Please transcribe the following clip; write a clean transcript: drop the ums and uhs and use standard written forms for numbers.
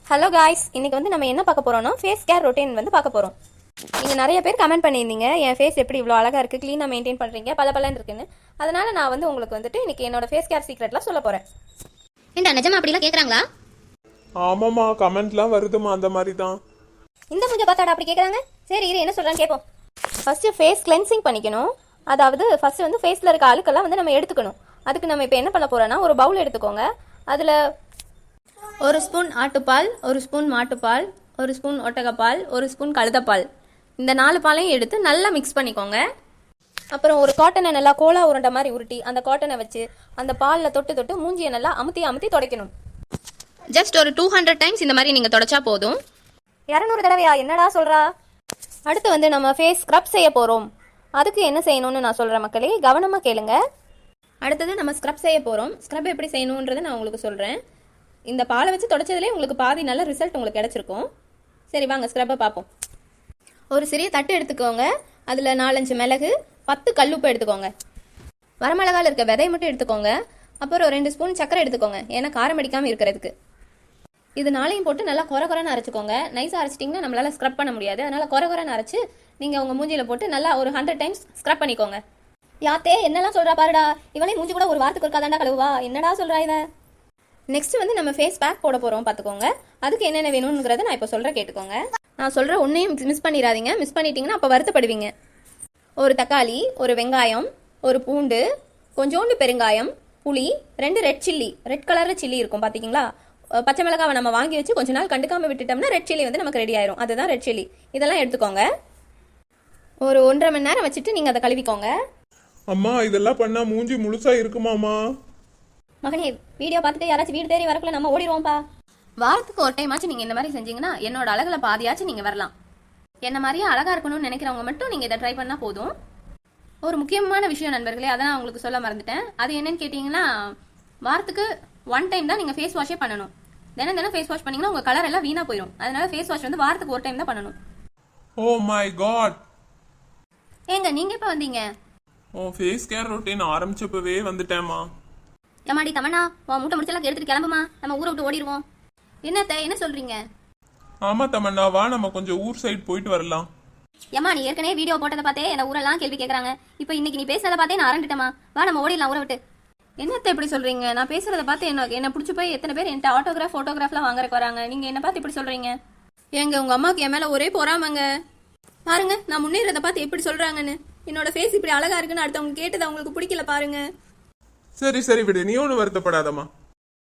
Hello guys, இன்னைக்கு வந்து நம்ம என்ன பார்க்க போறோம்னா ஃபேஸ் கேர் ரொட்டீன் வந்து பார்க்க போறோம். நீங்க நிறைய பேர் கமெண்ட் பண்ணியிருந்தீங்க, என் ஃபேஸ் எப்படி இவ்வளோ அழகா இருக்கு, க்ளீனாக மெயின்டைன் பண்றீங்க, பல இருக்குன்னு. அதனால நான் வந்து உங்களுக்கு வந்துட்டு இன்னைக்கு என்னோட ஃபேஸ் கேர் சீக்ரெட்லாம் சொல்ல போறேன். ஏண்டா நிஜமா அப்படிலாம் கேக்குறாங்களா? ஆமாம்மா, கமெண்ட்லாம் வருதுமா அந்த மாதிரி தான். இந்த மூஞ்ச பார்த்தாடா அப்படி கேட்குறாங்க. சரி இரு, என்ன சொல்றான்னு கேட்போம். ஃபர்ஸ்ட் ஃபேஸ் கிளென்சிங் பண்ணிக்கணும். அதாவது ஃபர்ஸ்ட் வந்து ஃபேஸில் இருக்க அழுக்கெல்லாம் வந்து நம்ம எடுத்துக்கணும். அதுக்கு நம்ம இப்போ என்ன பண்ண போறோம்னா, ஒரு பவுல் எடுத்துக்கோங்க. அதில் ஒரு ஸ்பூன் ஆட்டுப்பால், ஒரு ஸ்பூன் மாட்டுப்பால், ஒரு ஸ்பூன் ஒட்டகப்பால், ஒரு ஸ்பூன் கழுதப்பால், இந்த 4 பாலையும் எடுத்து நல்லா மிக்ஸ் பண்ணிக்கோங்க. அப்புறம் ஒரு காட்டனை நல்லா கோலா உருண்டை மாதிரி உருட்டி அந்த காட்டனை வச்சு அந்த பாலில் தொட்டு மூஞ்சியை நல்லா அமுத்தி துடைக்கணும். ஜஸ்ட் ஒரு 200 டைம்ஸ் இந்த மாதிரி நீங்கள் தொடச்சா போதும். 200 தடவையா? என்னடா சொல்கிறா? அடுத்து வந்து நம்ம ஃபேஸ் ஸ்க்ரப் செய்ய போகிறோம். அதுக்கு என்ன செய்யணும்னு நான் சொல்கிறேன் மக்களே, கவனமாக கேளுங்க. அடுத்தது நம்ம ஸ்க்ரப் செய்ய போகிறோம். ஸ்க்ரப் எப்படி செய்யணுன்றதை நான் உங்களுக்கு சொல்கிறேன். இந்த பாலை வச்சு தொடச்சதுலேயே உங்களுக்கு பாதி நல்ல ரிசல்ட் உங்களுக்கு கிடச்சிருக்கும். சரி வாங்க ஸ்க்ரப்பை பார்ப்போம். ஒரு சிறிய தட்டு எடுத்துக்கோங்க. அதில் 4-5 மிளகு, 10 கல்லுப்பு எடுத்துக்கோங்க. வரமிளகாவில் இருக்க விதையை மட்டும் எடுத்துக்கோங்க. அப்புறம் 2 ஸ்பூன் சர்க்கரை எடுத்துக்கோங்க, ஏன்னா காரம் அடிக்காமல் இருக்கிறதுக்கு. இது 4ஐயும் போட்டு நல்லா குறைன்னு அரைச்சிக்கோங்க. நைஸாக அரைச்சிட்டிங்கன்னா நம்மளால ஸ்க்ரப் பண்ண முடியாது. அதனால் குறைன்னு அரைச்சி நீங்கள் உங்கள் மூஞ்சியில் போட்டு நல்லா ஒரு 100 டைம்ஸ் ஸ்க்ரப் பண்ணிக்கோங்க. யாத்தே என்னெல்லாம் சொல்கிறா பாருடா, இவனே மூஞ்சி கூட ஒரு வாரத்துக்கு ஒருக்காதாண்டா கழுவா, என்னடா சொல்கிறா இவன். நெக்ஸ்ட் வந்து நம்ம ஃபேஸ் பேக் போட போகிறோம், பார்த்துக்கோங்க. அதுக்கு என்னென்ன வேணுங்கிறத நான் இப்போ சொல்கிறேன், கேட்டுக்கோங்க. நான் சொல்கிற ஒன்றையும் மிஸ் பண்ணிடாதீங்க. மிஸ் பண்ணிட்டீங்கன்னா அப்போ வருத்தப்படுவீங்க. ஒரு தக்காளி, ஒரு வெங்காயம், ஒரு பூண்டு, கொஞ்சோண்டு பெருங்காயம், புளி, 2 ரெட் சில்லி, ரெட் கலரில் சில்லி இருக்கும் பார்த்திங்களா. பச்சை மிளகாவை நம்ம வாங்கி வச்சு கொஞ்ச நாள் கண்டுக்காமல் விட்டுட்டோம்னா ரெட் சில்லி வந்து நமக்கு ரெடி ஆயிரும். அதுதான் ரெட் சில்லி. இதெல்லாம் எடுத்துக்கோங்க. ஒரு 1.5 மணி நேரம் வச்சுட்டு நீங்கள் அதை கழுவிக்கோங்க. அம்மா, இதெல்லாம் பண்ணா மூஞ்சி முழுசா இருக்குமாம்மா? மகனே, வீடியோ பார்த்துட்டு யாராச்சும் வீடு தேடி வரக்குள்ள நம்ம ஓடிடுவோம்ப்பா. வாரத்துக்கு ஒரு டைம் ஆச்சு நீங்கள் இந்த மாதிரி செஞ்சீங்கன்னா என்னோட அழகுல பாதியாச்சும் நீங்கள் வரலாம். என்ன மாதிரியே அழகாக இருக்கணும்னு நினைக்கிறவங்க மட்டும் நீங்கள் இதை ட்ரை பண்ணால் போதும். ஒரு முக்கியமான விஷயம் நண்பர்களே, அதை நான் உங்களுக்கு சொல்ல மறந்துட்டேன். அது என்னன்னு கேட்டிங்கன்னா, வாரத்துக்கு 1 டைம் தான் நீங்கள் ஃபேஸ் வாஷே பண்ணணும். தினம் ஃபேஸ் வாஷ் பண்ணீங்கன்னா உங்கள் கலர் எல்லாம் வீணாக போயிடும். அதனால ஃபேஸ் வாஷ் வந்து வாரத்துக்கு ஒரு டைம் தான் பண்ணணும். Oh my God. ஏங்க நீங்கள் எப்போ வந்தீங்க? உன் ஃபேஸ் கேர் ரொட்டீன் ஆரம்பிச்சப்பவே வந்துட்டேம்மா. ஏமாடி தமன்னா, உன் மூட்டை முடிச்செல்லாம் எடுத்துட்டு கிளம்புமா, நம்ம ஊரை விட்டு ஓடிடுவோம். என்ன சொல்றீங்க? ஆமா தமன்னா, வா நம்ம கொஞ்சம் ஊர் சைடு போயிட்டு வரலாம். ஏமா, நீ ஏற்கனவே வீடியோ போட்டதை பார்த்தே என்ன ஊரெல்லாம் கேள்வி கேட்கறாங்க. இப்போ இன்னைக்கு நீ பேசுறதை பார்த்தே நான் அரண்டுட்டேமா. வா நம்ம ஓடிடலாம் ஊரை விட்டு. என்னத்த இப்படி சொல்றீங்க? நான் பேசுறதை பார்த்து என்ன பிடிச்சி போய் எத்தனை பேர் என்கிட்ட ஆட்டோகிராஃப் ஃபோட்டோகிராஃப்லாம் வாங்குறக்கு வராங்க. நீங்க என்ன பார்த்து இப்படி சொல்றீங்க? ஏங்க, உங்க அம்மாவுக்கு என் மேல ஒரே பொறாமங்க. பாருங்க நான் முன்னேறதை பார்த்து எப்படி சொல்றாங்கன்னு. என்னோட ஃபேஸ் இப்படி அழகா இருக்குன்னு அடுத்தவங்க கேட்டது அவங்களுக்கு பிடிக்கல பாருங்க. சரி விடு, நீ ஒன்றும் வருத்தப்படாதம்மா.